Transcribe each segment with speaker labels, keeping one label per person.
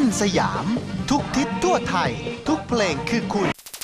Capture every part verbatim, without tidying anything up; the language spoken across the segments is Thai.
Speaker 1: สยามทุกทิศทั่วไทยทุกเพลงคือคุณ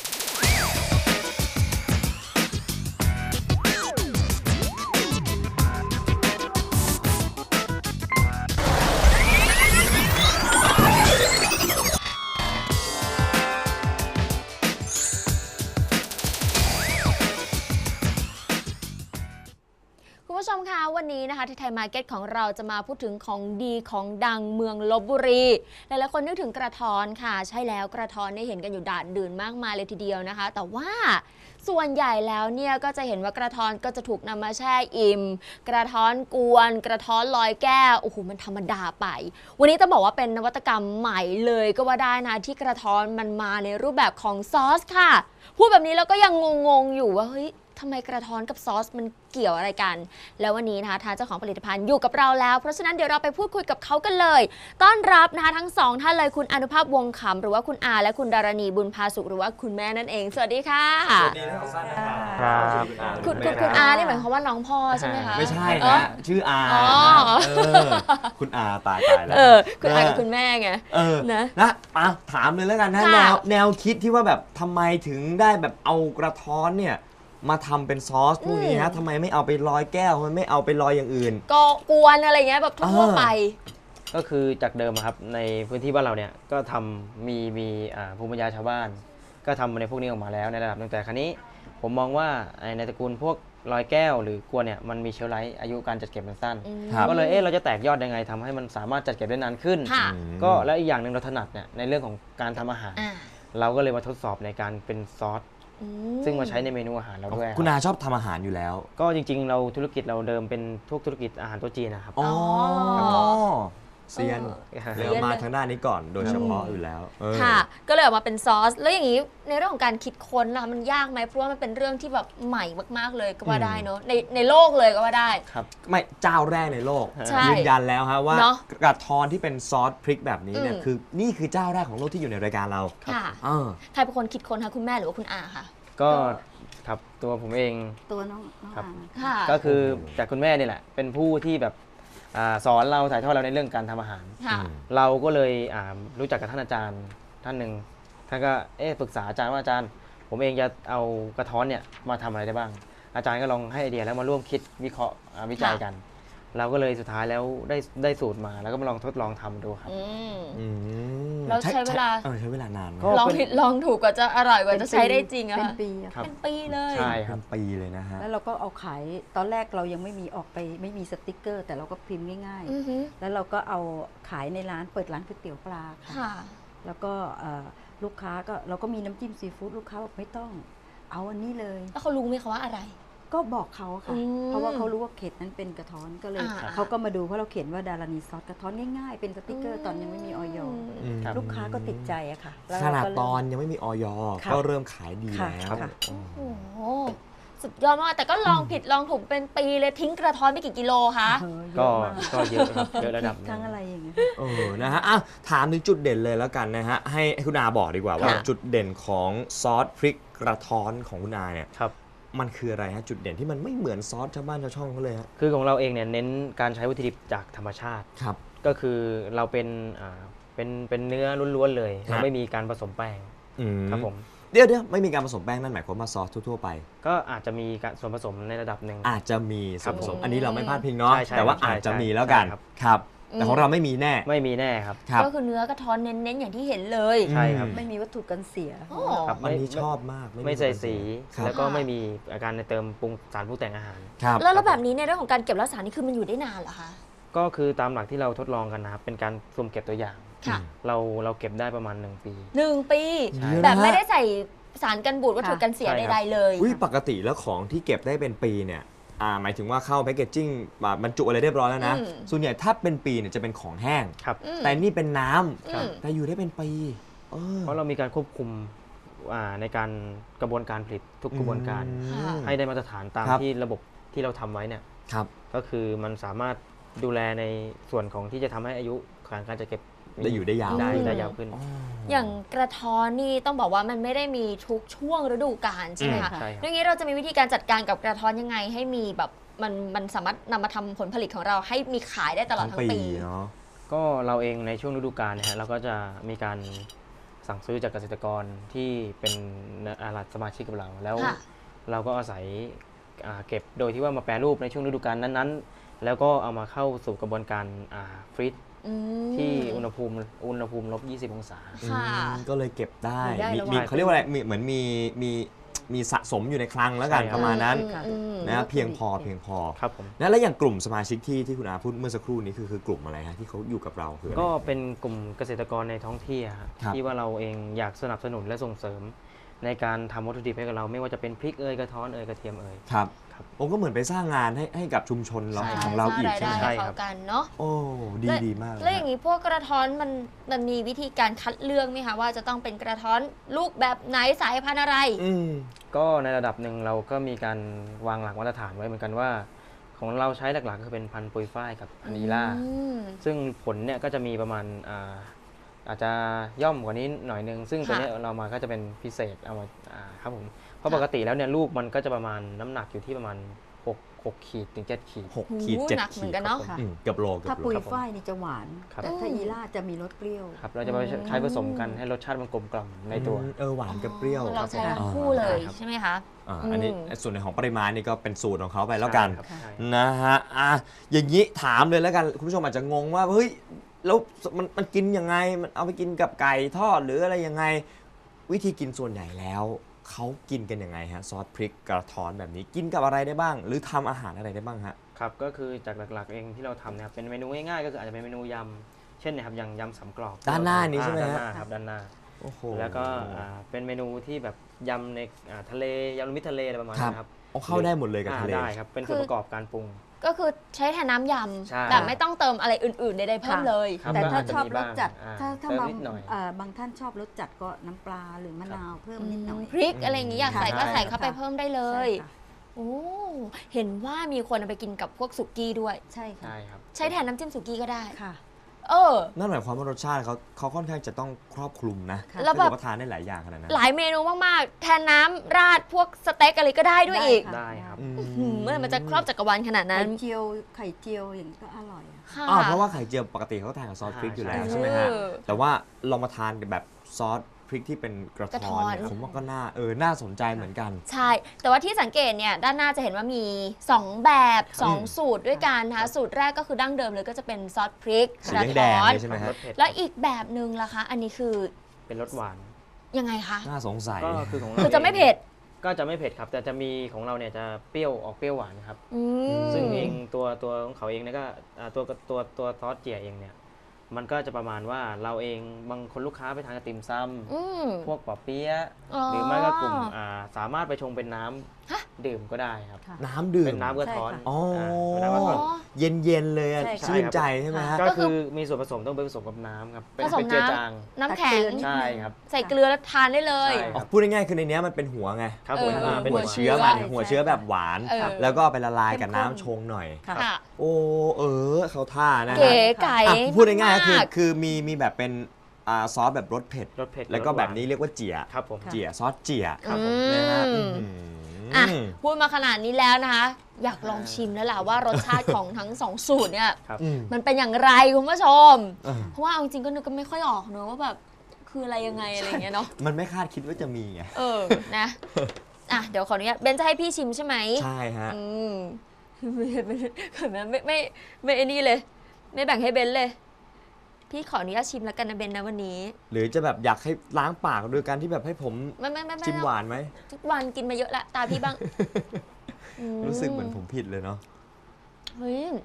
Speaker 2: คุณผู้ชมคะวันนี้นะคะที่ไทยมาร์เก็ตของเราจะมาพูดถึงของดีของดังเมืองลพบุรีหลายๆคนนึกถึงกระท้อนค่ะใช่แล้วกระท้อนได้เห็นกันอยู่ด่านดื่นมากมายเลยทีเดียวนะคะแต่ว่าส่วนใหญ่แล้วเนี่ยก็จะเห็นว่ากระท้อนก็จะถูกนำมาแช่อิ่มกระท้อนกวนกระท้อนลอยแก้วโอ้โหมันธรรมดาไปวันนี้ต้องบอกว่าเป็นนวัตกรรมใหม่เลยก็ว่าได้นะที่กระท้อนมันมาในรูปแบบของซอสค่ะพูดแบบนี้แล้วก็ยังงงๆอยู่ว่าเฮ้ยทำไมกระท้อนกับซอสมันเกี่ยวอะไรกันแล้ววันนี้นะคะทางเจ้าของผลิตภัณฑ์อยู่กับเราแล้วเพราะฉะนั้นเดี๋ยวเราไปพูดคุยกับเขากันเลยต้อนรับนะคะทั้งสองท่านเลยคุณอนุภาพวงขำหรือว่าคุณอาและคุณดารณีบุญพาสุขหรือว่าคุณแม่นั่นเองสวัสดีค่ะสวัสดีทั้งสองท่านนะครับคุณคุณคุณอานี่หมายความว่าน้องพ่อใช่ไหมคะ
Speaker 3: ไม่ใช่นะ ชื่ออาคุณอาตายตายแล้ว
Speaker 2: คุณอากับคุณแม่ไง
Speaker 3: เออนะนะถามเลยแล้วกันนะแนวแนวคิดที่ว่าแบบทำไมถึงได้แบบเอากระท้อนเนี่ยมาทำเป็นซอสพวกนี้ฮะทำไมไม่เอาไปลอยแก้วมันไม่เอาไปลอยอย่างอื่น
Speaker 2: ก็กวนอะไรเงี้ยแบบทั่วไป
Speaker 4: ก็คือจากเดิมครับในพื้นที่บ้านเราเนี่ยก็ทำมีมีภูมิปัญญาชาวบ้านก็ทำในพวกนี้ออกมาแล้วในระดับหนึ่งแต่ครั้นี้ผมมองว่าในตระกูลพวกลอยแก้วหรือกวนเนี่ยมันมีเชลฟ์ไลฟ์อายุการจัดเก็บมันสั้นก็เลยเอ๊ะเราจะแตกยอดยังไงทำให้มันสามารถจัดเก็บได้นานขึ้นก็แล้วอีกอย่างหนึ่งเราถนัดเนี่ยในเรื่องของการทำอาหารเราก็เลยมาทดสอบในการเป็นซอสซึ่งมาใช้ในเมนูอาหารเราด้วย
Speaker 3: คุณอาชอบทำอาหารอยู่แล้ว
Speaker 4: ก็จริงๆเราธุรกิจเราเดิมเป็นทุกธุรกิจอาหารโต๊ะจีนนะครับ
Speaker 3: อ๋อเซียนเดี๋ยวมาทางด้านนี้ก่อนโดยเฉพาะอยู่แล้ว
Speaker 2: ค่ะก็เลยออกมาเป็นซอสแล้วอย่างนี้ในเรื่องของการคิดค้นล่ะมันยากไหมเพราะว่ามันเป็นเรื่องที่แบบใหม่มากๆเลยก็ว่าได้เนอะในในโลกเลยก็ว่าได้
Speaker 3: ครับไม่เจ้าแรกในโลกยืนยันแล้วฮะว่ากระท้อนที่เป็นซอสพริกแบบนี้เนี่ยคือนี่คือเจ้าแรกของโลกที่อยู่ในรายการเรา
Speaker 2: ค่ะใครเป็นคนคิดค้นคะคุณแม่หรือว่าคุณอาค่ะ
Speaker 4: ก็ครับตัวผมเอง
Speaker 5: ตัวน้อง
Speaker 4: ครับก็คือจากคุณแม่นี่แหละเป็นผู้ที่แบบสอนเราถ่ายทอดเราในเรื่องการทำอาหารเราก็เลยรู้จักกับท่านอาจารย์ท่านหนึ่งท่านก็เอ๊ะปรึกษาอาจารย์ว่าอาจารย์ผมเองจะเอากระท้อนเนี่ยมาทำอะไรได้บ้างอาจารย์ก็ลองให้ไอเดียแล้วมาร่วมคิดวิเคราะห์วิจัยกันเราก็เลยสุดท้ายแล้วได้ได้สูตรมาแล้วก็มาลองทดลองทำดูครับ
Speaker 2: เราใช้เวลา
Speaker 3: ใช้เวลานาน
Speaker 2: ลองผิดลองถูกกว่าจะอร่อยกว่าจะใช้ได้จริงอะ
Speaker 5: เป็นปี
Speaker 2: เป็นปีเลย
Speaker 3: ใช่ครับปีเลยนะฮะ
Speaker 5: แล้วเราก็เอาขายตอนแรกเรายังไม่มีออกไปไม่มีสติกเกอร์แต่เราก็พิมพ์ง่ายๆแล้วเราก็เอาขายในร้านเปิดร้านก๋วยเตี๋ยวปลาค่ะแล้วก็ลูกค้าก็เราก็มีน้ำจิ้มซีฟู้ดลูกค้าบอกไม่ต้องเอาอันนี้เลย
Speaker 2: แล้วเขารู้ไหมคะว่าอะไร
Speaker 5: ก็บอกเขาค่ะเพราะว่าเขารู้ว่าเขตนั้นเป็นกระท้อนก็เลยเขาก็มาดูเพราะเราเขียนว่าดารานีซอสกระท้อนง่ายๆเป็นสติกเกอร์ตอนยังไม่มีออยลูกค้าก็ติดใจอะค่ะ
Speaker 3: ขนาดตอนยังไม่มีออยก็เริ่มขายดีแล้ว
Speaker 2: โอ้โหสุดยอดมากแต่ก็ลองผิดลองถูกเป็นปีเลยทิ้งกระท้อนไปกี่กิโลคะ
Speaker 4: ก็ก็เยอะครับเยอะระดับ
Speaker 5: ทั้งอะไรอย่างเงี้ย
Speaker 3: เออนะฮะถามถึงจุดเด่นเลยแล้วกันนะฮะให้คุณอาบอกดีกว่าว่าจุดเด่นของซอสพริกกระท้อนของคุณอาเนี่ยมันคืออะไรฮะจุดเด่นที่มันไม่เหมือนซอสชาวบ้านชาวช่องเขาเลยฮะ
Speaker 4: คือของเราเองเนี่ยเน้นการใช้วัตถุดิบจากธรรมชาติ
Speaker 3: ครับ
Speaker 4: ก็คือเราเป็นอ่าเป็นเป็นเนื้อล้วนๆเลยเราไม่มีการผสมแป้งครับผม
Speaker 3: เดี๋ยวเดี๋ยวไม่มีการผสมแป้งนั่นหมายความว่าซอสทั่วๆไป
Speaker 4: ก็อาจจะมีการส่วนผสมในระดับหนึ่ง
Speaker 3: อาจจะมีส่วนผสมอันนี้เราไม่พลาดพิงเนาะแต่ว่าอาจจะมีแล้วกันครับแต่ของเราไม่มีแน่
Speaker 4: ไม่มีแน่ครับ
Speaker 2: ก็คือเนื้อกระท้อนเน้นๆอย่างที่เห็นเลย
Speaker 4: ใช่ครับ
Speaker 5: ไม่มีวัตถุกันเสีย
Speaker 3: ครับอันนี้ชอบมาก
Speaker 4: ไม่ใส่สีแล้วก็ไม่มีอาการในเติมปรุงสารปรุงแต่งอาหาร
Speaker 2: แล้วแล้วแบบนี้ในเรื่องของการเก็บรักษานี่คือมันอยู่ได้นานเหรอคะ
Speaker 4: ก็คือตามหลักที่เราทดลองกันนะครับเป็นการสุ่มเก็บตัวอย่างเราเราเก็บได้ประมาณหนึ่งปี
Speaker 2: หนึ่งปีแบบไม่ได้ใส่สารกันบูดวัตถุกันเสียใดๆเลย
Speaker 3: ปกติแล้วของที่เก็บได้เป็นปีเนี่ยหมายถึงว่าเข้าแพคเกจจิ้งบรรจุอะไรเรียบร้อยแล้วนะส่วนใหญ่ถ้าเป็นปีเนี่ยจะเป็นของแห้งแต่นี่เป็นน้ำแต่อยู่ได้เป็นปี
Speaker 4: เพราะเรามีการควบคุมในการกระบวนการผลิตทุกกระบวนการให้ได้มาตรฐานตามที่ระบบที่เราทำไว้เนี่ยก็คือมันสามารถดูแลในส่วนของที่จะทำให้อายุการจะเก็บ
Speaker 3: ได้อยู่ได้ยาว
Speaker 4: ได้ได้ยาวขึ้น
Speaker 2: อย่างกระท้อนนี่ต้องบอกว่ามันไม่ได้มีทุกช่วงฤดูกาลใช่ไหมคะอย่างนี้เราจะมีวิธีการจัดการกับกระท้อนยังไงให้มีแบบมันมันสามารถนำมาทำผลผลิตของเราให้มีขายได้ตลอดทั้งปี
Speaker 3: เนาะ
Speaker 4: ก็เราเองในช่วงฤดูกาลนะฮะเราก็จะมีการสั่งซื้อจากเกษตรกรที่เป็นอารัฐสมาชิกกับเราแล้ว
Speaker 2: ค่ะ
Speaker 4: เราก็อาศัยอ่าเก็บโดยที่ว่ามาแปรรูปในช่วงฤดูกาลนั้นๆ แล้วก็เอามาเข้าสู่กระบวนการอ่าฟรีซ
Speaker 2: อืม
Speaker 4: ที่อุณหภูมิอุณหภูมิลบยี่สิบองศา
Speaker 2: ค่ะ
Speaker 3: อืมก็เลยเก็บได้
Speaker 5: อยู่ได้
Speaker 3: มี
Speaker 5: ระหว่าง
Speaker 3: มีเขาเรียกว่าอะไรมีเหมือนมีมีมีสะสมอยู่ในคลังแล้วกัน
Speaker 4: ใช่ครับ
Speaker 3: ประมาณนั้น
Speaker 2: อืมอืม
Speaker 3: นะเพียงพอเพียงพอ
Speaker 4: ครับผม
Speaker 3: นะแล้วอย่างกลุ่มสมาชิกที่ที่คุณอาพูดเมื่อสักครู่นี้คือคือกลุ่มอะไรฮะที่เขาอยู่กับเราคืออะไร
Speaker 4: ก็เป็นกลุ่มเกษตรกรในท้องที่อะฮะ
Speaker 3: ครับ
Speaker 4: ที่ว่าเราเองอยากสนับสนุนและส่งเสริม ในการทำวัตถุดิบให้กับเราไม่ว่าจะเป็นพริกเอยกระท้อนเอยกระเทียมเอย
Speaker 3: ครับ
Speaker 4: ครับ
Speaker 3: ผมก็เหมือนไปสร้างงานให้ให้กับชุมชนเรา
Speaker 2: ใช่
Speaker 3: ของเราอีก
Speaker 2: สร้าง
Speaker 3: ใช่
Speaker 2: ราย
Speaker 3: ไหม
Speaker 2: ได้
Speaker 4: ใช่
Speaker 2: ให้
Speaker 4: ครั
Speaker 2: เขา
Speaker 4: บ
Speaker 2: กันเนาะ
Speaker 3: โอ้ดี
Speaker 2: แล้ว
Speaker 3: ดีมากเลย
Speaker 2: แล้วอย่าง
Speaker 3: ฮะ
Speaker 2: นี้พวกกระท้อนมันมันมีวิธีการคัดเลือกไหมคะว่าจะต้องเป็นกระท้อนลูกแบบไหนสายพันธุ์อะไร
Speaker 3: อืม
Speaker 4: ก็ในระดับหนึ่งเราก็มีการวางหลักมาตรฐานไว้เหมือนกันว่า ของเราใช้หลักๆก็คือเป็นพันธุ์ปุยฝ้ายกับพันธุ์อีล่า
Speaker 2: อืม
Speaker 4: ซึ่งผลเนี่ยก็จะมีประมาณอ่าอาจจะย่อมกว่านี้หน่อยนึง ซึ่งตัวเนี้ยเรามาก็จะเป็นพิเศษเอามาอ่าครับผมเพราะปกติแล้วเนี่ยลูกมันก็จะประมาณน้ำหนักอยู่ที่ประมาณหก หกขีดถึงเจ็ดขีด
Speaker 3: หกขีดเจ็ด
Speaker 2: หนักเหมื
Speaker 3: ขี
Speaker 2: อ
Speaker 3: ด
Speaker 2: นกันเนาะ
Speaker 3: อืมเกือบโลเกือ
Speaker 5: ถ้า
Speaker 3: บโล
Speaker 5: ปุย
Speaker 4: ครับผม
Speaker 5: ฝ้ายนี่จะหวาน
Speaker 4: ครับ
Speaker 5: แต่ถ้าอีล่าจะมีรสเปรี้ยว
Speaker 4: ครับเราจะไปใช้ผสมกันให้รสชาติมันกลมกล่อมในตัว
Speaker 3: อืมเออหวานกับเปรี้ยว
Speaker 2: เราใช้ทั้ง
Speaker 3: อ่า
Speaker 2: คู่เลย
Speaker 4: ครับ
Speaker 2: ใช่ไหมคะ
Speaker 3: อ่าอันนี้
Speaker 2: อืม
Speaker 3: ส่วนในของปริมาณนี่ก็เป็นสูตรของเขาไปแล้วกัน
Speaker 4: ใช่ครับใช่
Speaker 3: นะฮะอ่ะอย่างนี้ถามเลยแล้วกัน คุณผู้ชมอาจจะงงว่า เฮ้ย แล้วมันมันกินยังไง มันเอาไปกินกับไก่ทอดหรืออะไรยังไง วิธีกินส่วนใหญ่แล้ว เขากินกันยังไงฮะ ซอสพริกกระท้อนแบบนี้ กินกับอะไรได้บ้าง หรือทำอาหารอะไรได้บ้างฮะ
Speaker 4: ครับก็คือจากหลักๆเองที่เราทำเนี่ยเป็นเมนูง่ายๆก็คืออาจจะเป็นเมนูยำเช่นนะครับอย่างยำสามกรอบ
Speaker 3: ด้านหน้านี้ใช่ไหม
Speaker 4: อ่า
Speaker 3: ฮะ
Speaker 4: ด้านหน้าครับด้านหน้า
Speaker 3: โอ้โห
Speaker 4: แล้วก็อ่าเป็นเมนูที่แบบยำในอ่าทะเลยำรวมมิตรทะเลอะไรประมาณ
Speaker 3: ครับ
Speaker 4: นี้ครับ
Speaker 3: เอาเข้าได้หมดเลยกับ
Speaker 4: อ่า
Speaker 3: ทะเล
Speaker 4: ได้ครับเป็นส่วนประกอบการปรุง
Speaker 2: ก็คือใช้แทนน้ำย
Speaker 4: ใช่
Speaker 2: ำแบบไม่ต้องเติมอะไรอื่นๆใดๆเพิ่ม
Speaker 5: ค่ะ
Speaker 2: เลย
Speaker 4: ครับ
Speaker 5: แต่ถ้า
Speaker 4: ก็อาจจะ
Speaker 5: ชอบ
Speaker 4: มี
Speaker 5: ร
Speaker 4: บ้า
Speaker 5: ส
Speaker 4: ง
Speaker 5: จัด
Speaker 4: อ่า
Speaker 5: ถ้าถ้า
Speaker 4: เติม
Speaker 5: บาง
Speaker 4: นิดหน่อย
Speaker 5: เอ่อบางท่านชอบรสจัดก็น้ำปลาหรือมะนาวเพิ่มนิดหน่อย
Speaker 2: พริกอะไรอย่างนี้อยากใส่ก็
Speaker 4: ใช่
Speaker 2: ใส่เข้าไปเพิ่มได้เลย
Speaker 5: ใช่ค่ะ
Speaker 2: โอ้เห็นว่ามีคนเอาไปกินกับพวกสุกี้ด้วย
Speaker 5: ใช่ค่ะ
Speaker 4: ใช่ครับ
Speaker 2: ใช้แทนน้ำจิ้มสุกี้ก็ได้
Speaker 5: ค่ะ
Speaker 2: เออ
Speaker 3: นั่นหมายความว่ารสชาติเขาเขาค่อนข้างจะต้องครอบคลุมนะ
Speaker 5: ค่ะ
Speaker 2: แล้ว
Speaker 3: ถ้า
Speaker 2: แบบ
Speaker 3: เกิดว่าทานได้หลายอย่างขนาดนั้น
Speaker 2: หลายเมนูมากๆ แทนน้ำราดพวกสเต็กอะไรก็ได้ด้วยอีก
Speaker 5: ค่ะ
Speaker 4: ได้ครับ
Speaker 3: อืม
Speaker 2: หืมเมื่อมันจะครอบจักรวาลขนาด
Speaker 5: ไข่
Speaker 2: นั้น
Speaker 5: เจียวไข่เจียวอย่างนี้ก็อร่อยอะ
Speaker 2: ค่ะ
Speaker 3: อ้าวเพราะว่าไข่เจียวปกติเขาทานกับซอสพริกอยู่แล้ว
Speaker 4: ใช่
Speaker 3: ใช่ไหมฮะ
Speaker 2: เออ
Speaker 3: แต่ว่าลองมาทานแบบซอสพริกที่เป็นกระ
Speaker 2: กระท้
Speaker 3: ท้
Speaker 2: อ
Speaker 3: อน นเนี่ยผมว่าก็น่าเออน่าสนใจเหมือนกัน
Speaker 2: ใช่ แต่ว่าที่สังเกตเนี่ยด้านหน้าจะเห็นว่ามี สอง แบบสอง
Speaker 3: อืม
Speaker 2: สูตรด้วยกันนะคะสูตรแรกก็คือดั้งเดิมเลยก็จะเป็นซอสพริก
Speaker 3: สี
Speaker 2: กระ
Speaker 3: แด
Speaker 2: ท้
Speaker 3: ง
Speaker 2: อ
Speaker 3: ๆ
Speaker 2: น
Speaker 3: เลยใช่ไหมฮะ
Speaker 4: รสเผ็ด
Speaker 2: แล้วอีกแบบหนึ่งล่ะคะ อันนี้คือ
Speaker 4: เป็นรสหวาน
Speaker 2: ยังไงคะ
Speaker 3: น่าสงสัย
Speaker 4: ก็คือของเรา
Speaker 2: คือจะไม่เผ็ด
Speaker 4: ก็จะไม่เผ็ดครับ แต่จะมีของเราเนี่ยจะเปรี้ยวออกเปรี้ยวหวานครับ
Speaker 2: อืม
Speaker 4: ซึ่งเองตัวตัวของเขาเองเนี่ยก็อ่าตัวตัวตัวซอสเจี๋ยเองเนี่ยมันก็จะประมาณว่าเราเองบางคนลูกค้าไปทานกับติ่มซ
Speaker 2: อืม
Speaker 4: ำพวกปอเปี๊ยะ
Speaker 2: อ๋อ
Speaker 4: หรือไม่ก็กลุ่มอ่าสามารถไปชงเป็นน้ำ
Speaker 2: ฮะ
Speaker 4: ดื่มก็ได้ครับ
Speaker 5: ค่ะ
Speaker 3: น้ำดื่ม
Speaker 4: เป็นน้ำกระท้อน
Speaker 5: ใช่ค่ะ
Speaker 3: อ๋อ
Speaker 4: เป็นน้ำกระท้อน
Speaker 3: เย็นเย็นๆเลยอะ
Speaker 5: ใช่ค่ะ
Speaker 3: ชื่นใจใช่ไหมฮะ
Speaker 4: ก็คือมีส่วนผสมต้องไปผสมกับน้ำครับเป็น
Speaker 2: ผสม
Speaker 4: เป็นเจือ
Speaker 2: น้ำ
Speaker 4: จาง
Speaker 2: น้ำแข็ง
Speaker 4: ใช่ครับ
Speaker 2: ใส่เกลือแล้วทานได้เลย
Speaker 4: ใช่
Speaker 3: อ๋อพูดง่ายๆคือในเนี้ยมันเป็นหัวไง
Speaker 4: ครับผม
Speaker 2: เออ
Speaker 4: อ่าเป็น
Speaker 3: หัว
Speaker 4: หัว
Speaker 3: เชื้อ
Speaker 2: หัว
Speaker 3: มัน
Speaker 2: เชื้อ
Speaker 3: หัวเชื้อแบบหวาน
Speaker 2: เออ
Speaker 3: แล้วก็เอาไปละลายกับ
Speaker 5: เข้มข้น
Speaker 3: น้ำชงหน่อย
Speaker 5: ค่ะ
Speaker 2: ค่ะ
Speaker 3: โอ้เออเขาท่านะฮะ
Speaker 2: เก๋ไก่
Speaker 3: อ่ะพูดง่ายๆก็คือ
Speaker 2: มาก
Speaker 3: คือมีมีแบบเป็นอ่าซอสแบบรสเผ็ด
Speaker 4: รสเผ็ด
Speaker 3: แล้วก็
Speaker 4: รสหา
Speaker 3: แบบนี้เรียกว่าเจี๋ย
Speaker 4: ครับผม
Speaker 5: ค่ะ
Speaker 3: เจี๋ยซอสเจี๋ย
Speaker 4: ครับผม
Speaker 3: นะฮะ
Speaker 2: อืม
Speaker 3: อื้อ
Speaker 2: อ่ะ
Speaker 3: หือ
Speaker 2: พูดมาขนาดนี้แล้วนะคะ อยากลองชิมแล้วล่ะว่ารสชาติของทั้งสองสูตรเนี่ย
Speaker 4: ครับ
Speaker 3: อืม
Speaker 2: มันเป็นอย่างไรคุณผู้ชม
Speaker 3: เออ
Speaker 2: เพราะว่าเอาจริงๆก็นึกก็ไม่ค่อยออกเนอะว่าแบบคืออะไรยังไงอะไรอย่างเงี้ยเนาะ
Speaker 3: มันไม่คาดคิดว่าจะมีไง
Speaker 2: เออนะอ่ะเดี๋ยวขออนุญาตเบนจะให้พี่ชิมใช่ไหม
Speaker 3: ใช่ฮะ
Speaker 2: อืมไม่ไม่ไม่ไม่ไม่ไอ้นี่เลย ไม่แบ่งให้เบนเลย พี่ขออนุญาตชิมแล้วกันนะเบนนะวันนี้
Speaker 3: หรือจะแบบอยากให้ล้างปากโดยการที่แบบให้ผม
Speaker 2: ไม่ไม่ไม่ไม่
Speaker 3: จิ้มหวานไหม
Speaker 2: ทุกวันกินมาเยอะละตาพี่บ้างอื
Speaker 3: รู้สึกเหมือนผมผิดเลยเนาะ
Speaker 2: เฮ้ย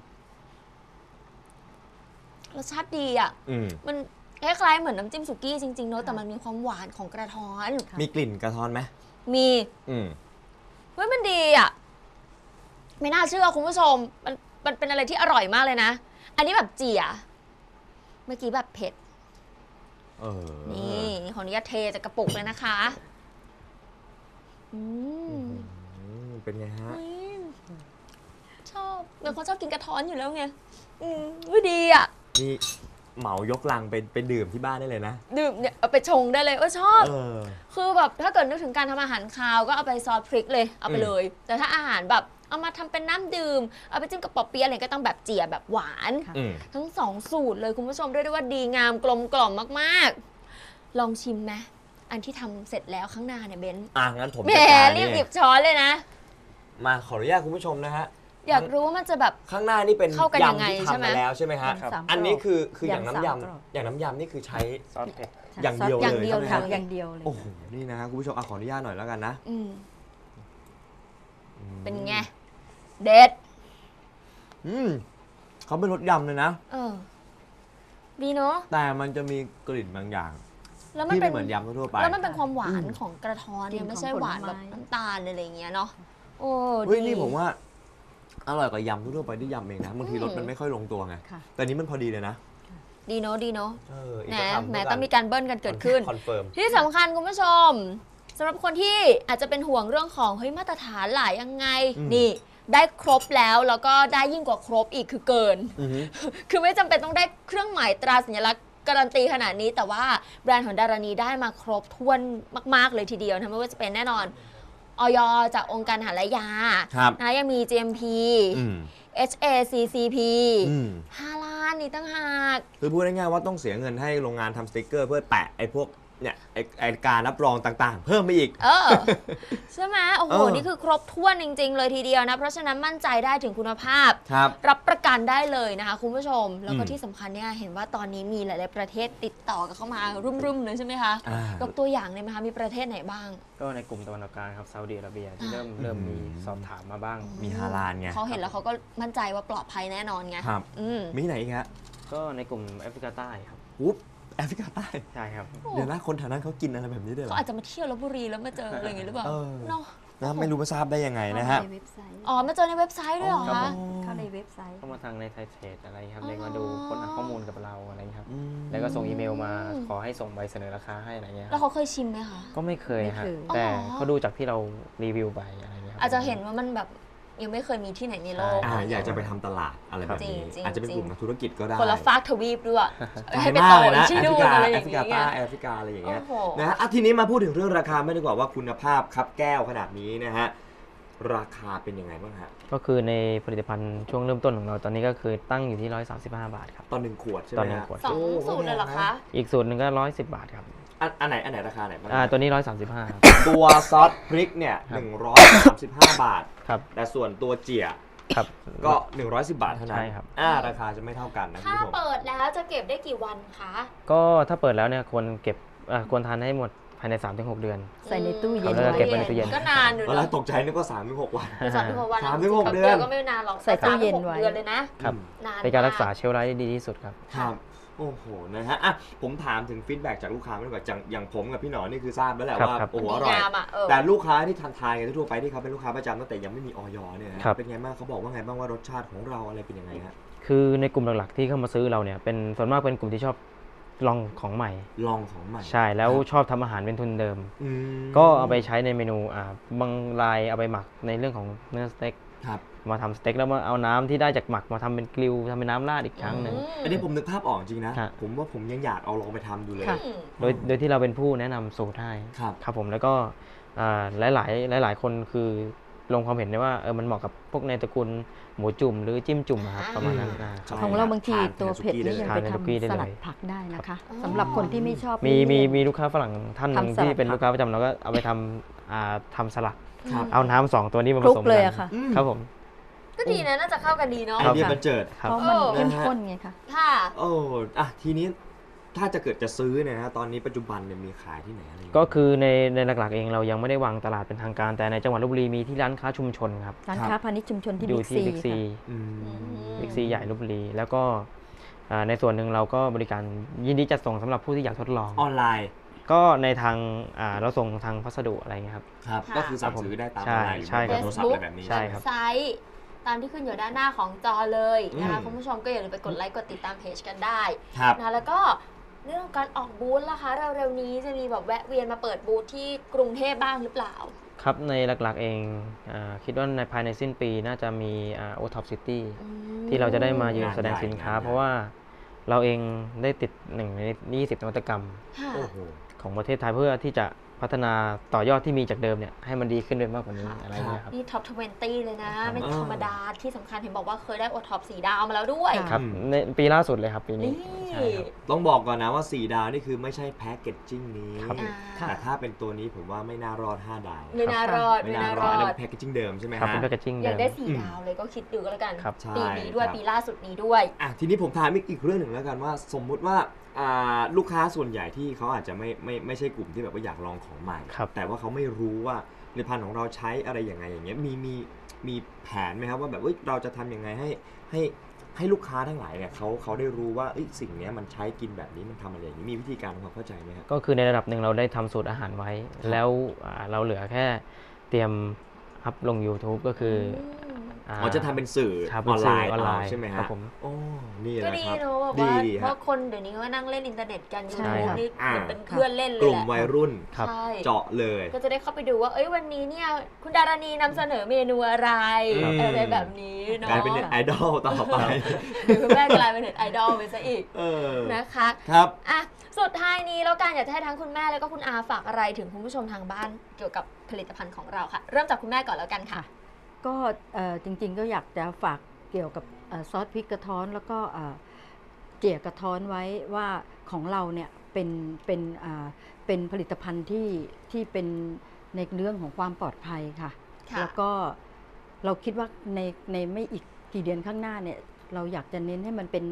Speaker 2: รสชาติดีอ่ะ
Speaker 3: อืม
Speaker 2: มันคล้ายๆเหมือนน้ำจิ้มสุกี้จริงๆเนอะแต่มันมีความหวานของกระท้อน
Speaker 5: ค่ะ
Speaker 3: มีกลิ่นกระท้อนไหม
Speaker 2: มี
Speaker 3: อืม
Speaker 2: เฮ้ยมันดีอ่ะ ไม่น่าเชื่อคุณผู้ชม มันมันเป็นอะไรที่อร่อยมากเลยนะ อันนี้แบบเจี๋ยเมื่อกี้แบบเผ็ด
Speaker 3: เออ
Speaker 2: นี่ขออนุญาตเทจากกระปุกเลยนะคะอืม
Speaker 3: อืมเป็นไงฮะ
Speaker 2: เฮ้ยชอบเป็นคนชอบกินกระท้อนอยู่แล้วไงอืมอุ๊ยดีอ่ะ
Speaker 3: นี่เหมายกลังไปไปดื่มที่บ้านได้เลยนะ
Speaker 2: ดื่มเนี่ยเอาไปชงได้เลยเออชอบ
Speaker 3: เออ
Speaker 2: คือแบบถ้าเกิดนึกถึงการทำอาหารคาวก็เอาไปซอสพริกเลยเอาไป
Speaker 3: อืม
Speaker 2: เลย แต่ถ้าอาหารแบบเอามาทำเป็นน้ำดื่มเอาไปจิ้มกับปอเปี๊ยะอะไรก็ต้องแบบเจียแบบหวาน
Speaker 5: ค่ะ
Speaker 3: อืม
Speaker 2: ทั้งสองสูตรเลยคุณผู้ชมเรียกได้ว่าดีงามกลมกล่อมมากๆ ลองชิมไหมอันที่ทำเสร็จแล้วข้างหน้าเนี่ยเบนซ์
Speaker 3: อ่ะงั้นผม
Speaker 2: แหม
Speaker 3: จัดการ
Speaker 2: รี
Speaker 3: นี่
Speaker 2: บหยิบช้อนเลยนะ
Speaker 3: มาขออนุญาตคุณผู้ชมนะฮะ
Speaker 2: อยากรู้ว่ามันจะแบบ
Speaker 3: ข้างหน้านี่เป็น
Speaker 2: เข้ากันยังไง
Speaker 3: ยำที่
Speaker 2: ใช่ไหม
Speaker 3: ทำมาแล้วใช่ไหมฮะ
Speaker 5: ยำสามกรอบ
Speaker 3: อันนี้คือคืออย่าง
Speaker 5: ยำ
Speaker 3: น้ำ
Speaker 5: สามกรอบ
Speaker 3: ยำอย่างน้ำยำนี่คือใช้
Speaker 4: ซอสเผ็ด
Speaker 3: อย่างเดียว
Speaker 2: อย่างเดียว
Speaker 3: เลย
Speaker 5: ค่ะ
Speaker 3: ใช่ไหม
Speaker 5: อย่างเดียวเลย
Speaker 3: โอ้โหนี่นะฮะคุณผู้ชมอ่ะขออนุญาตหน่อยแล้วกันนะ
Speaker 2: อืมเป็นไง เด็ด
Speaker 3: อืมเขาเป็นรสยำเลยนะ
Speaker 2: เออ ดีเนาะ
Speaker 3: แต่มันจะมีกลิ่นบางอย่าง
Speaker 2: แล้วมัน
Speaker 3: ที่
Speaker 2: เป็
Speaker 3: ไม่
Speaker 2: น
Speaker 3: เหมือนยำทั่วๆไป
Speaker 2: แล้วมันเป็นความหวาน
Speaker 3: อืม
Speaker 2: ของกระท้อนเนี่ย
Speaker 5: กลิ่น
Speaker 2: ไม่ใช่
Speaker 5: ของ
Speaker 2: หวาน
Speaker 5: ผล
Speaker 2: แบบ
Speaker 5: ไม้
Speaker 2: น้ำตาลอะไรอย่างเงี้ยเนาะโอ้
Speaker 3: เฮ้ย
Speaker 2: ดี
Speaker 3: นี่ผมว่าอร่อยกว่ายำทั่วๆไปที่ยำเองนะบางที
Speaker 2: อืม
Speaker 3: รสมันไม่ค่อยลงตัวไง
Speaker 5: ค่ะ
Speaker 3: แต่นี้มันพอดีเลยนะ
Speaker 2: ดีเนาะดีเนาะ
Speaker 3: เอออีก
Speaker 2: แหม
Speaker 3: สักคำ
Speaker 2: แหม
Speaker 3: แล้ว
Speaker 2: ต้องมีการเบิ้ลกันเกิดขึ้น
Speaker 3: คอนเฟิร์ม
Speaker 2: ที่สำคัญคุณผู้ชมสำหรับคนที่อาจจะเป็นห่วงเรื่องของเฮ้ยมาตรฐานหลายยังไง
Speaker 3: อืม
Speaker 2: นี่ ได้ครบแล้วแล้วก็ได้ยิ่งกว่าครบอีกคือเกิน
Speaker 3: อือฮึ
Speaker 2: คือไม่จำเป็นต้องได้เครื่องหมายตราสัญลักษณ์การันตีขนาดนี้ แต่ว่าแบรนด์ของดารานีได้มาครบถ้วนมาก ๆ เลยทีเดียวนะไม่ว่าจะเป็นแน่นอนออยจากองค์การอาหารและยา
Speaker 3: ครับ
Speaker 2: นะยังมี จี เอ็ม พี
Speaker 3: อืม
Speaker 2: เอช เอ ซี ซี พี
Speaker 3: อืม
Speaker 2: ฮาลาลนี่ตั้งหาก
Speaker 3: คือพูดง่ายๆว่าต้องเสียเงินให้โรงงานทำสติกเกอร์เพื่อแปะไอ้พวกเนี่ยไอ้ไอ้การรับรองต่างๆ เพิ่มไปอีก
Speaker 2: เออ ใช่ไหมโอ้โห
Speaker 3: เออ
Speaker 2: นี่คือครบถ้วนจริง ๆ เลยทีเดียวนะ เพราะฉะนั้นมั่นใจได้ถึงคุณภาพ
Speaker 3: ครับ
Speaker 2: รับประกันได้เลยนะคะคุณผู้ชม แล้วก็
Speaker 3: อืม
Speaker 2: ที่สำคัญเนี่ยเห็นว่าตอนนี้มีหลาย ๆ ประเทศติดต่อกันเข้ามารุ่ม ๆ เลยใช่ไหมคะ
Speaker 3: อ่าย
Speaker 2: กตัวอย่างเลยไหมคะ มีประเทศไหนบ้าง
Speaker 4: ก็ในกลุ่มตะวันออกกลางครับซาอุดิอาระเบียที่
Speaker 2: อ่า
Speaker 4: เริ่มเริ่มมีสอบถามมาบ้าง
Speaker 3: มีฮาลาลไง
Speaker 2: เขาเห็นแล้วเขาก็มั่นใจว่าปลอดภัยแน่นอนไง
Speaker 3: ครับ
Speaker 2: อืม
Speaker 3: มีไหนอีกฮะ
Speaker 4: ก็ในกลุ่มแอฟริกาใต้ครับ
Speaker 3: อุ๊บแอฟริกาใต้
Speaker 4: ใช่ครับ
Speaker 3: เดี๋ยวนะคนแถวนั้นเขากินอะไรแบบนี้ด้วยเหร
Speaker 2: เขา
Speaker 3: อ
Speaker 2: อาจจะมาเที่ยวลบบุรีแล้วมาเจออะไรอย่างงี้หรือเปล่า
Speaker 3: เออ
Speaker 2: เนาะ
Speaker 3: นะไม่รู้มาทราบได้ยังไงนะฮะ
Speaker 5: เข้าในเว็บไซต์
Speaker 2: อ๋อมาเจอในเว็บไซต์ด้วยเหรอ
Speaker 4: ครั
Speaker 2: คะ
Speaker 4: บผม
Speaker 5: เข้าในเว็บไซต์
Speaker 4: เข้ามาทางในไทยเทรดอะไรครับ
Speaker 2: อ๋อ
Speaker 4: เรียกมาดูค้นหาข้อมูลกับเราอะไรอย่างเงี้ยครับ
Speaker 3: อืม
Speaker 4: แล้วก็ส่งอีเมลมาขอให้ส่งใบเสนอราคาให้อะไรเงี้ยค
Speaker 2: แล้
Speaker 4: รั
Speaker 2: ว
Speaker 4: บ
Speaker 2: เขาเคยชิมไหมคะ
Speaker 4: ก็ไม่เคยฮะ
Speaker 5: ไม่เคย
Speaker 4: แต่
Speaker 2: อ๋อ
Speaker 4: เขาดูจากที่เรารีวิวไปอะไรเงี้ยครับ
Speaker 2: อาจจะเห็นว่ามันแบบยังไม่เคยมีที่ไหนในโลก
Speaker 3: อ่าอยากจะไปทำตลาดอะไรแบบนี้
Speaker 2: จริงๆ
Speaker 3: อาจจะเป็นกลุ่มนักธุรกิจก็ได้
Speaker 2: คนละฟากทวีปด้วย
Speaker 3: ไกล
Speaker 2: ให้ไป
Speaker 3: มา
Speaker 2: โต
Speaker 3: กเลยนะ
Speaker 2: ที่
Speaker 3: แอฟ
Speaker 2: นู่
Speaker 3: ริ
Speaker 2: น
Speaker 3: กา
Speaker 2: อะไรอ
Speaker 3: แอย่าง ฟริกา
Speaker 2: เงี้
Speaker 3: ใต้
Speaker 2: ย
Speaker 3: แอฟริกาอะไรอย่างเงี้ย
Speaker 2: โอ้โห
Speaker 3: นะฮะอ่ะทีนี้มาพูดถึงเรื่องราคาไม่ดีกว่าว่าคุณภาพครับแก้วขนาดนี้นะฮะราคาเป็นยังไงบ้างฮะ
Speaker 4: ก็คือในผลิตภัณฑ์ช่วงเริ่มต้นของเราตอนนี้ก็คือตั้งอยู่ที่หนึ่งร้อยสามสิบห้าบาทครับ
Speaker 3: ตอนหนึ่งขวดใช่ไหม
Speaker 4: ตอนหนึ่ง
Speaker 3: ฮะ
Speaker 4: ขวด
Speaker 2: สอง
Speaker 3: โ
Speaker 2: สูตรเลยเหรอคะ
Speaker 4: อีกสูตรหนึ่งก็หนึ่งร้อยสิบบาทครับ
Speaker 3: อันอันไหนอันไหนราคาไหนบ้าง
Speaker 4: อ่าตัวนี้หนึ่งร้อยสามสิบห้า
Speaker 3: ตัวซอสพริกเนี่ย
Speaker 4: ครับ
Speaker 3: หนึ่งร้อยสามสิบห้าบาท
Speaker 4: ครับ
Speaker 3: แต่ส่วนตัวเจี๋ย
Speaker 4: ครับ
Speaker 3: ก็หนึ่งร้อยสิบบาทเท่านั้น
Speaker 4: ใช่ครับ
Speaker 3: อ่าราคาจะไม่เท่ากันนะคุณ
Speaker 2: ถ้า
Speaker 3: ผู้ชม
Speaker 2: เปิดแล้วจะเก็บได้กี่วันคะ
Speaker 4: ก็ถ้าเปิดแล้วเนี่ยควรเก็บอ่าควรทานให้หมดภายใน สามถึงหก เดือน
Speaker 5: ใส่ในตู้เย็น
Speaker 4: แล้วก็เก็บไว้ในตู้เย็น
Speaker 2: ก็นานอยู่
Speaker 3: ตอนแร
Speaker 2: นะ
Speaker 3: กตกใจนึกว่าสามถึงหกวัน
Speaker 2: สามถึงหกวันนะ
Speaker 3: สามถึงหก
Speaker 2: จริๆ
Speaker 3: เดือน
Speaker 2: ก็ไม่นานหรอก
Speaker 5: ใส่ตู้เย็นไว้
Speaker 2: สามถึงหกเดือนเลยนะครับ นาน
Speaker 4: เป็นการรักษา
Speaker 2: ม
Speaker 4: เชลฟ์ไลท์ได้ดีที่สุดครับ
Speaker 3: ครับโอ้โหนะฮะอ่ะผมถามถึงฟีดแบ็กจากลูกค้าไม่ดีกว่าอย่างอย่างผมกับพี่หนอนี่คือทราบแล้วแหละ
Speaker 4: ครับ
Speaker 3: ว่า
Speaker 4: ครับ
Speaker 3: โอ้โห
Speaker 2: มั
Speaker 3: อน ร่อย
Speaker 2: งามอ่ะเออ
Speaker 3: แต่ลูกค้าที่ทานทานกันทั่วไปที่เขาเป็นลูกค้าประจำตั้งแต่ยังไม่มีออยเนี่ยนะ
Speaker 4: ครับ
Speaker 3: เป็นไงบ้างเขาบอกว่าไงบ้างว่ารสชาติของเราอะไรเป็นยังไงฮะ
Speaker 4: คือในกลุ่มหลักๆที่เข้ามาซื้อเราเนี่ยเป็นส่วนมากเป็นกลุ่มที่ชอบลองของใหม่
Speaker 3: ลองของใหม่
Speaker 4: ใช่แล้วชอบทำอาหารเป็นทุนเดิม
Speaker 3: อืม
Speaker 4: ก็เอาไปใช้ในเมนูอ่าบางรายเอาไปหมักในเรื่องของเนื้อสเต็ก
Speaker 3: ครับ
Speaker 4: มาทำสเต็กแล้วมาเอาน้ำที่ได้จากหมักมาทำเป็นกริลทำเป็นน้ำราดอีกครั้งหนึ่ง
Speaker 3: อันนี้ผมนึกภาพออกจริงนะ
Speaker 4: ฮะ
Speaker 3: ผมว่าผมยังอยากเอาลองไปทำดูเลย
Speaker 5: ค่ะ
Speaker 2: อืม
Speaker 4: โดยโดยที่เราเป็นผู้แนะนำสูตรให้
Speaker 3: ครับ
Speaker 4: ครับผมแล้วก็อ่าหลาย ๆ หลาย ๆ คนคือลงความเห็นได้ว่าเออมันเหมาะกับพวกในตระกูลหมูจุ่มหรือจิ้มจุ่มอะครับ
Speaker 2: อ่า
Speaker 4: ประมาณนั้นอ่า
Speaker 3: ใช่
Speaker 5: ของเราบางที
Speaker 3: ทาน
Speaker 5: ตัวเผ็ดนี่ยัง
Speaker 4: ทาน
Speaker 5: ไป
Speaker 4: ใน
Speaker 5: ท
Speaker 4: สุกี้ได้
Speaker 5: ำส
Speaker 4: เลย
Speaker 5: ลัดผักได้นะคะ
Speaker 2: อ๋อ
Speaker 5: สำหรับคนที่ไม่ชอบ
Speaker 4: มีมี
Speaker 5: เลี่ยน
Speaker 4: มีลูกค้าฝรั่งท่านหนึ่ง
Speaker 5: ทำสลัด
Speaker 4: ที่เป็น
Speaker 5: ผัก
Speaker 4: ลูกค้าประจำเราก็เอาไปทำอ่าทำสลัด
Speaker 3: ครับ
Speaker 4: เอาน้ำสองตัวนี้มา
Speaker 5: ค
Speaker 4: ผ
Speaker 5: ลุก
Speaker 4: สม
Speaker 5: เลย
Speaker 4: กั
Speaker 5: อะค่ะ
Speaker 3: อืม
Speaker 4: ครับผม
Speaker 2: ก็ดีนะน่าจะเข้ากันดีเนาะ
Speaker 3: ไอเดียบันเจิด
Speaker 4: ครับ
Speaker 5: เพราะมัน
Speaker 2: เออ
Speaker 5: เข้มข้นไงคะ
Speaker 2: ค่ะ
Speaker 3: โอ้อะทีนี้ถ้าจะเกิดจะซื้อเนี่ยนะตอนนี้ปัจจุบันเนี่ยมีขายที่ไหนอะไรอย่างเงี้ย
Speaker 4: ก็คือในในหลักๆเองเรายังไม่ได้วางตลาดเป็นทางการ แต่ในจังหวัดลพบุรีมีที่ร้านค้าชุมชนครับ
Speaker 5: ร้าน
Speaker 3: ครับ
Speaker 5: ค้าพาณิชย์ชุมชนที่
Speaker 4: อยู่
Speaker 5: บิ๊ก
Speaker 4: ที่
Speaker 5: ซี
Speaker 4: บิ๊กซี
Speaker 5: ค่ะ
Speaker 3: อืม
Speaker 4: บิ๊กซีใหญ่ลพบุรี แล้วก็อ่าในส่วนหนึ่งเราก็บริการยินดีจัดส่งสำหรับผู้ที่อยากทดลอง
Speaker 3: ออนไลน์
Speaker 4: ก็ในทางอ่าเราส่งทางพัสดุอะไรเงี้ยครับ
Speaker 3: ครับ
Speaker 2: ค่ะ
Speaker 3: ก็คือสั่งซื้อได้ตามอ
Speaker 4: ใช่
Speaker 3: อนไลน์หรือ
Speaker 4: ใช่
Speaker 3: ว่า
Speaker 4: ครับ
Speaker 3: โทรศัพท์อะไรแบบนี้
Speaker 4: ใช่ครับ
Speaker 2: เว็บไซต์ตามที่ขึ้นอยู่ด้านหน้าของจอเลยนะคะ
Speaker 3: อืม
Speaker 2: คุณผู้ชมก็อย่าลืมไปกดไลค์กดติดตามเพจกันได้
Speaker 3: ครับ
Speaker 2: นะแล้วก็เรื่องของการออกบูธล่ะคะเร็วๆนี้จะมีแบบแวะเวียนมาเปิดบูธที่กรุงเทพบ้างหรือเปล่า
Speaker 4: ครับในหลักๆเองอาคิดว่าในภายในสิ้นปีน่าจะมีโอท็อปซิตี้
Speaker 2: อืม
Speaker 4: ที่เราจะได้มายืน
Speaker 3: งาน
Speaker 4: แสดง
Speaker 3: ใหญ่
Speaker 4: สินค้า
Speaker 3: งานใหญ่
Speaker 4: เพราะว่าเราเองได้ติดหนึ่งในยี่สิบนวัตกรรม
Speaker 2: ค่ะ
Speaker 3: โอ้โห
Speaker 4: ของประเทศไทยเพื่อที่จะพัฒนาต่อยอดที่มีจากเดิมเนี่ยให้มันดีขึ้นด้วยมากกว่านี้อะไรเงี้ยครับ
Speaker 2: นี่ท็อป ยี่สิบ เลยนะ ไม่
Speaker 3: อ่า
Speaker 2: ธรรมดาที่สำคัญเห็นบอกว่าเคยได้โอท็อปสีดาวมาแล้วด้วย
Speaker 4: ครับในปีล่าสุดเลยครับปีนี้
Speaker 2: นี่
Speaker 4: ใช่ครับ
Speaker 3: ต้องบอกก่อนนะว่าสี่ดาวนี่คือไม่ใช่แพ็กเกจจิ้งนี้
Speaker 4: ครับ
Speaker 2: อ่า
Speaker 3: แต่ถ้าเป็นตัวนี้ผมว่าไม่น่ารอดห้าดาว
Speaker 2: ไม่น่ารอด
Speaker 3: ไม่
Speaker 2: ไม่
Speaker 3: น่า
Speaker 2: น่าร ร
Speaker 3: อ
Speaker 2: อ
Speaker 3: ดอันนั้น
Speaker 2: ด
Speaker 3: เป็นแพ็กเกจจิ้งเดิมใช่ไหม
Speaker 4: ครับ
Speaker 3: ฮะ
Speaker 4: เป็นแพคเกจจิ้ง
Speaker 2: อ
Speaker 4: เดิ
Speaker 2: ยาก
Speaker 4: ม
Speaker 2: ได้สี่ดาวเลยก็คิดดูก็แล้วกัน
Speaker 4: ครับ
Speaker 3: ใช่
Speaker 2: ปีนี้ด้วย
Speaker 3: ครับ
Speaker 2: ปีล่าสุดนี้ด้วย
Speaker 3: อ่ะทีนี้ผมถามอีกอีกเรื่องหนึ่งแล้วกันว่าสมมุติว่าอ่าลูกค้าส่วนใหญ่ที่เขาอาจจะไม่ไม่ไม่ใช่กลุ่มที่แบบว่าอยากลองของใหม่
Speaker 4: ครับ
Speaker 3: แต่ว่าเขาไม่รู้ว่าผลิตภัณฑ์ของเราใช้อะไรยังไงอย่างเงี้ยมีมีมีแผนไหมครับว่าแบบเอ้ยเราจะทำยังไงให้ให้ให้ลูกค้าทั้งหลายเนี่ยเขาเขาได้รู้ว่าเอ้ยสิ่งเนี้ยมันใช้กินแบบนี้มันทำอะไรอย่างนี้มีวิธีการทำความเข้าใจไหมครับ
Speaker 4: ก็คือในระดับหนึ่งเราได้ทำสูตรอาหารไว้ แล้วอ่าเราเหลือแค่เตรียมอัพลง YouTube ก็คืออ่า
Speaker 3: อ๋อจะทำเป็นสื่อ
Speaker 4: ครับ
Speaker 3: ออนไลน์
Speaker 4: เป็นสื่อออนไลน์
Speaker 3: เาใช่ไหมฮะ
Speaker 4: ครับผม
Speaker 3: โอ้นี่
Speaker 2: ก็
Speaker 3: แหละ
Speaker 2: ดี
Speaker 3: ครับ
Speaker 2: เนอะแบบ
Speaker 3: ดี
Speaker 2: ว่า
Speaker 3: ดี
Speaker 2: เพ
Speaker 3: ฮะ
Speaker 2: ราะคนเดี๋ยวนี้ก็นั่งเล่นอินเทอร์เน็ตกันยู
Speaker 5: ใช่
Speaker 2: ทูบ
Speaker 5: ครับ
Speaker 2: นี่
Speaker 3: อ่า
Speaker 2: เหมือนเป็นเพื่อนเล่นเลย
Speaker 3: กลุ่ม
Speaker 2: แหละ
Speaker 3: วัยรุ่น
Speaker 4: ครับ
Speaker 2: ใช่
Speaker 3: เจาะเลย
Speaker 2: ก็จะได้เข้าไปดูว่า เอ้ยวันนี้เนี่ยคุณดารณีนำเสนอเมนูอะไร
Speaker 3: ครับ
Speaker 2: อะไรแบบนี้เนาะ
Speaker 3: กลายเป็นเน็ตไอดอลต่อไป
Speaker 2: หรือคุณแม่กลายเป็นเน็ตไอดอลไปซะอีก
Speaker 3: เออ
Speaker 2: นะคะ
Speaker 3: ครับ
Speaker 2: อ่ะสุดท้ายนี้แล้วกันอยากจะให้ทั้งคุณแม่แล้วก็คุณอาฝากอะไรถึงคุณผู้ชมทางบ้านเกี่ยวกับผลิตภัณฑ์ของเราค่ะ เริ่มจากคุณแม่ก่อนแล้วกันค่ะ
Speaker 5: ก็เอ่อจริงๆก็อยากจะฝากเกี่ยวกับเอ่อซอสพริกกระท้อนแล้วก็เอ่อเจี่ยกระท้อนไว้ว่าของเราเนี่ยเป็นเป็นอ่าเป็นผลิตภัณฑ์ที่ที่เป็นในเรื่องของความปลอดภัยค่ะ
Speaker 2: ค่ะ
Speaker 5: แล้วก็เราคิดว่าในในไม่อีกกี่เดือนข้างหน้าเนี่ยเราอยากจะเน้นให้มันเป็น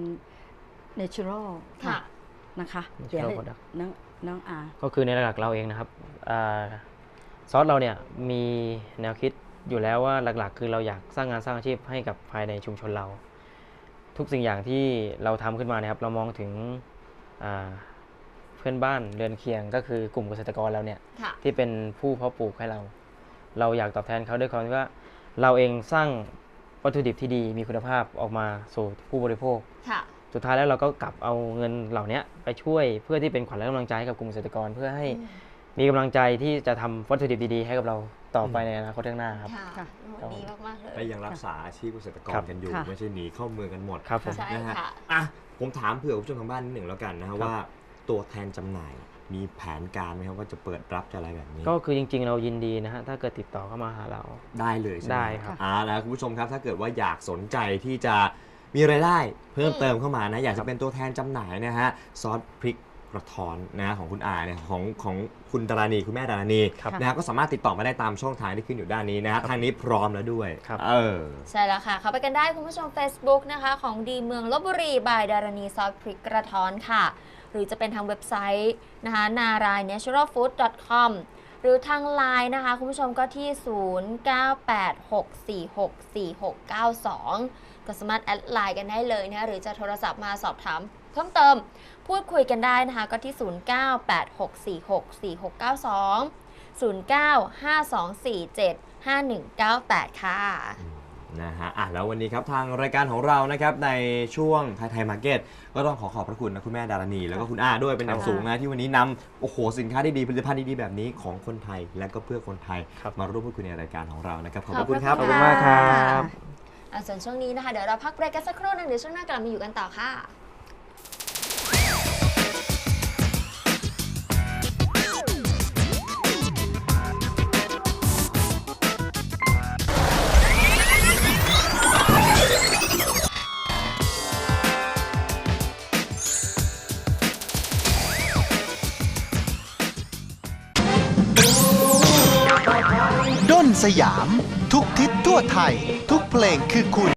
Speaker 5: natural
Speaker 2: ค่ะ
Speaker 5: นะคะ
Speaker 4: natural
Speaker 5: เดี๋ยวให้
Speaker 4: product
Speaker 5: น้องน้องอา
Speaker 4: ก็คือในระดับเราเองนะครับอาซอสเราเนี่ยมีแนวคิดอยู่แล้วว่าหลักๆ คือเราอยากสร้างงานสร้างอาชีพให้กับภายในชุมชนเรา ทุกสิ่งอย่างที่เราทำขึ้นมานะครับเรามองถึงอ่าเพื่อนบ้านเรือนเคียงก็คือกลุ่มเกษตรกรเราเนี่ย
Speaker 2: ค่ะ
Speaker 4: ที่เป็นผู้เพาะปลูกให้เรา เราอยากตอบแทนเขาด้วยความที่ว่าเราเองสร้างวัตถุดิบที่ดีมีคุณภาพออกมาสู่ผู้บริโภค
Speaker 2: ค่ะ
Speaker 4: สุดท้ายแล้วเราก็กลับเอาเงินเหล่านี้ไปช่วยเพื่อที่เป็นขวัญและกำลังใจให้กับกลุ่มเกษตรกรเพื่อให้มีกำลังใจที่จะทำวัตถุดิบดีๆให้กับเราต่อไปในอนาคตข้างหน้าครับ
Speaker 2: ค่ะ
Speaker 5: ค่ะ
Speaker 2: โอ้ดีมากๆเลย
Speaker 3: และยังรักษาอาชีพเกษตรกร
Speaker 4: ครับ
Speaker 3: กันอยู่
Speaker 5: ค่ะ
Speaker 3: ไม่ใช่หนีเข้าเมืองกันหมด
Speaker 4: ครับผม
Speaker 2: ใช่
Speaker 3: นะฮะ
Speaker 2: ค่ะ
Speaker 3: อ่ะผมถามเผื่อคุณผู้ชมทางบ้านนิดหนึ่งแล้วกันนะฮะ
Speaker 4: ครับ
Speaker 3: ว่าตัวแทนจำหน่ายมีแผนการไหมครับว่าจะเปิดรับจะอะไรแบบนี้
Speaker 4: ก็คือจริงๆ เรายินดีนะฮะถ้าเกิดติดต่อเข้ามาหาเรา
Speaker 3: ได้เลยใช่ไหม
Speaker 4: ได้ครับ
Speaker 3: อ่าแล้วคุณผู้ชมครับถ้าเกิดว่าอยากสนใจที่จะมีรายได้เพิ่มเติมเข้ามานะอยากจะเป็นตัวแทนจำหน่ายนะฮะซอสพริกกระท้อนนะของคุณอาเนี่ยของของคุณดารานีคุณแม่ดารานี
Speaker 4: ครับ
Speaker 3: นะฮะก็สามารถติดต่อมาได้ตามช่องทางที่ขึ้นอยู่ด้านนี้นะฮะทางนี้พร้อมแล้วด้วย
Speaker 4: ครับ
Speaker 3: เออ
Speaker 2: ใช่แล้วค่ะ เข้าไปกันได้คุณผู้ชม Facebook นะคะ ของดีเมืองลพบุรีบายดารณีซอสพริกกระท้อนค่ะ หรือจะเป็นทางเว็บไซต์นะคะนาราย เนเชอรัลฟู้ด ดอท คอม หรือทางไลน์นะคะ คุณผู้ชมก็ที่ ศูนย์ เก้า แปด หก สี่ หก สี่ หก เก้า สอง ก็สามารถแอดไลน์กันได้เลยนะคะหรือจะโทรศัพท์มาสอบถามเพิ่มเติมพูดคุยกันได้นะคะก็ที่ ศูนย์ เก้า แปด หก สี่ หก สี่ หก เก้า สอง ศูนย์ เก้า ห้า สอง สี่ เจ็ด ห้า หนึ่ง เก้า แปด ค่ะ
Speaker 3: นะฮะอ่ะแล้ววันนี้ครับทางรายการของเรานะครับในช่วงไทยไทยมาร์เก็ตก็ต้องขอขอบพระคุณนะคุณแม่ดารณีแล้วก็คุณอาด้วยเป็นอย่างสูงนะที่วันนี้นำโอ้โหสินค้าดีๆผลิตภัณฑ์ดีๆแบบนี้ของคนไทยและก็เพื่อคนไทย
Speaker 4: ครับ
Speaker 3: มาร่วมพูดคุยในรายการของเรานะครับขอบ
Speaker 2: ข
Speaker 3: พ
Speaker 2: อบ
Speaker 3: ระคุณครับ
Speaker 2: พระ
Speaker 4: ขอบคุณมากครับ
Speaker 2: อ่ะส่วนช่วงนี้นะคะเดี๋ยวเราพักเบรกกันสักครู่หนึงเดี๋ยวช่วงหน้ากลับมาอยู่กันต่อค่ะ
Speaker 1: ด้นสยาม ทุกทิศทั่วไทย ทุกเพลงคือคุณ